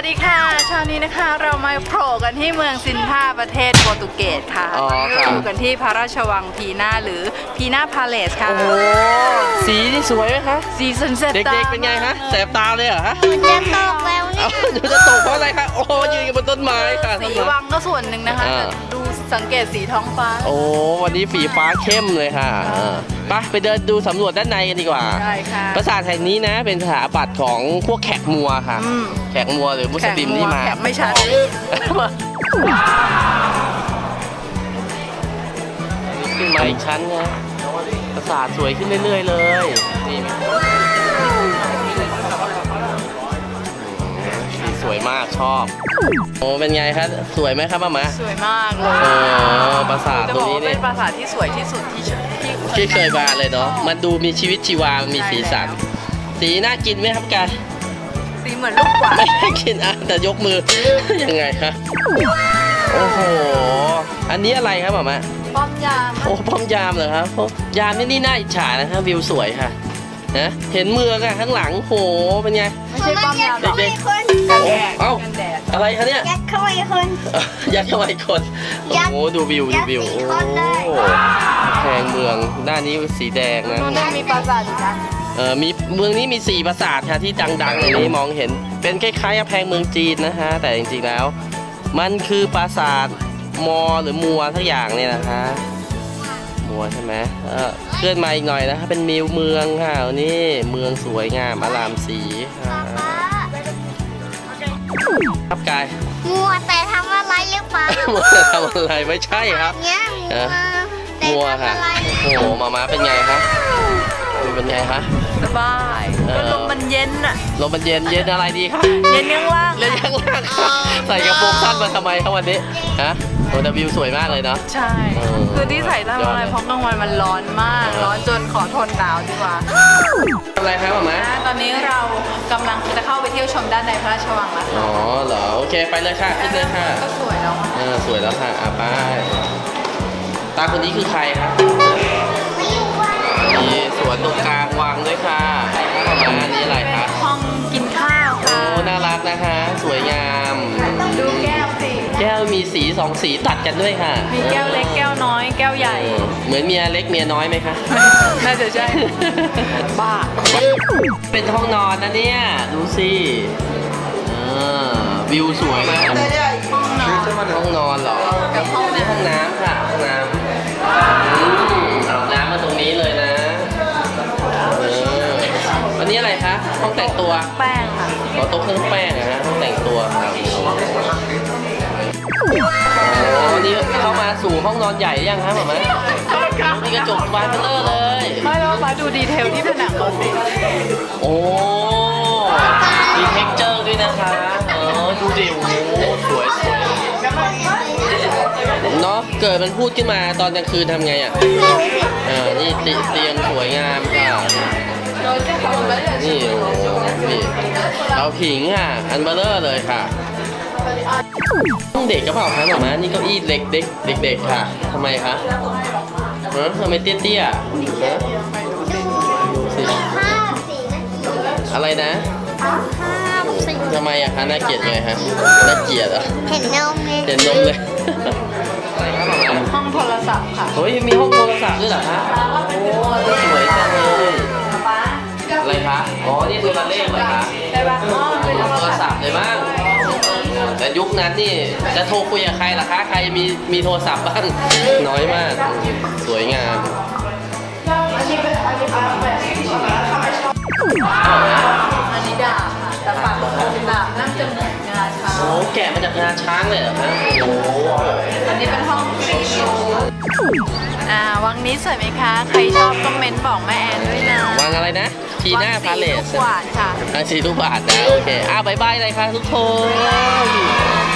สดีค่ะเช้านี้นะคะเรามาโผล่กันที่เมืองซินทาประเทศโปรตุเกสค่ะอยู่กันที่พระราชวังพีนาหรือพีนาพาเลสค่ะโอ้โหสีนี่สวยไหมคะสีสันเสตเด็กๆเป็นไงฮะแสบตาเลยเหรอฮะมันจะตกแล้วเนี่ยมันจะตกเพราะอะไรคะโอ้ยืนกันบนต้นไม้ค่ะสีวังก็ส่วนหนึ่งนะคะดูสังเกตสีท้องฟ้าโอ้วันนี้สีฟ้าเข้มเลยค่ะไปเดินดูสำรวจด้านในกันดีกว่าได้ค่ะปราสาทแห่งนี้นะเป็นสถาปัตย์ของพวกแขกมัวค่ะแขกมัวหรือมุสลิมที่มาไม่ชัดขึ้นมาอีกชั้นนะปราสาทสวยขึ้นเรื่อยๆเลยนี่สวยมากชอบโอ้เป็นไงครับสวยไหมครับป้าหมาสวยมากเลยปราสาทตรงนี้เป็นปราสาทที่สวยที่สุดที่เคยมาเลยเนาะมันดูมีชีวิตชีวามีสีสันสีน่ากินไหมครับกายสีเหมือนลูกกวาดไม่ได้กินแต่ยกมือยังไงคะโอ้โหอันนี้อะไรครับหมาป้อมยามโอ้ป้อมยามเหรอครับยามนี่น่าอิจฉานะครับวิวสวยค่ะนะเห็นเมืองอะข้างหลังโหเป็นไงไม่ใช่ป้อมยามเด็กๆเอ้าอะไรคะเนี่ยยัดเข้าไปคนยัดเข้าไปคนโอ้โหดูวิวโอ้แพงเมืองด้านนี้สีแดงนะมีปราสาทอีกนะมีเมืองนี้มี4ปราสาทค่ะที่ดังๆอย่างนี้มองเห็นเป็นคล้ายๆกับแพงเมืองจีนนะฮะแต่จริงๆแล้วมันคือปราสาทมอหรือมัวทั้งอย่างเนี่ยนะคะมัวใช่ไหมเคลื่อนมาอีกหน่อยนะครับเป็นมิวเมืองค่ะนี่เมืองสวยงามอลามสีครับกายมัวแต่ทำอะไรหรือเปล่ามัวแต่ทำอะไรไม่ใช่ครับมัวค่ะโอ้โหมาเป็นไงคะเป็นไงคะสบายลมมันเย็นอะลมมันเย็นอะไรดีคะเย็นข้างล่างใส่กระโปรงสั้นมาทำไมครับวันนี้ฮะโอ้แต่วิวสวยมากเลยเนาะใช่คือที่ใส่ทำอะไรเพราะกลางวันมันร้อนมากร้อนจนขอทนหนาวดีกว่าอะไรครับหมอตอนนี้เรากำลังจะเข้าไปเที่ยวชมด้านในพระราชวังแล้วอ๋อเหรอโอเคไปเลยค่ะขึ้นเลยค่ะก็สวยแล้วสวยแล้วค่ะไปตาคนนี้คือใครครับมีสวนตรงกลางวังด้วยค่ะอันนี้อะไรคะห้องกินข้าวค่ะโอ้น่ารักนะคะสวยงามดูแก้วสิแก้วมีสี2สีตัดกันด้วยค่ะมีแก้วเล็กแก้วน้อยแก้วใหญ่เหมือนเมียเล็กเมียน้อยไหมคะน่าจะใช่บ้าเป็นห้องนอนนะเนี่ยดูสิวิวสวยมากห้องนอนเหรอกับห้องน้ำค่ะห้องน้ำอาบน้ำมาตรงนี้เลยนะอันนี้อะไรคะห้องแต่งตัวแป้งค่ะโต๊ะเครื่องแป้งนะฮะห้องแต่งตัวครับวันนี้เข้ามาสู่ห้องนอนใหญ่ยังครับหมอมีกระจกบานเบลอเลยไม่แล้วมาดูดีเทลที่ผนังก่อนสิโอ้มีเท็กเจอร์ด้วยนะคะดูดิโอ้สวยเนาะเกิดมันพูดขึ้นมาตอนกลางคืนทำไงอ่ะนี่เตียงสวยงามค่ะนี่โอ้นี่เราผิงค่ะอันเบลอเลยค่ะเด็กกระเป๋าครับหมอมานี่เก้าอี้เด็กค่ะทำไมคะทำไมเตี้ยอะไรนะทำไมอะคะน่าเกลียดไงฮะน่าเกลียดอ่ะเห็นนมเลยห้องโทรศัพท์ค่ะเฮ้ยมีห้องโทรศัพท์ด้วยเหรอฮะโอ้สวยจังเลยอะไรคะอ๋อนี่โทรเลขเหรอคะโทรศัพท์เลยบ้างแต่ยุคนั้นนี่จะโทรคุยกับใครล่ะคะใครมีโทรศัพท์บ้างน้อยมากสวยงามอันนี้ดาบค่ะแต่ปักดาบนั่งจมูกงาช้างโอ้แกะมาจากงาช้างเลยเหรอคะโอ้อันนี้เป็นห้องฟรีวังนี้สวยไหมคะใครชอบคอมเมนต์บอกแม่แอนด้วยนะวังอะไรนะทีหน้าพาเลสสีลูกบาทค่ะสีลูกบาทนะโอเคบ๊ายบายเลยค่ะทุกคน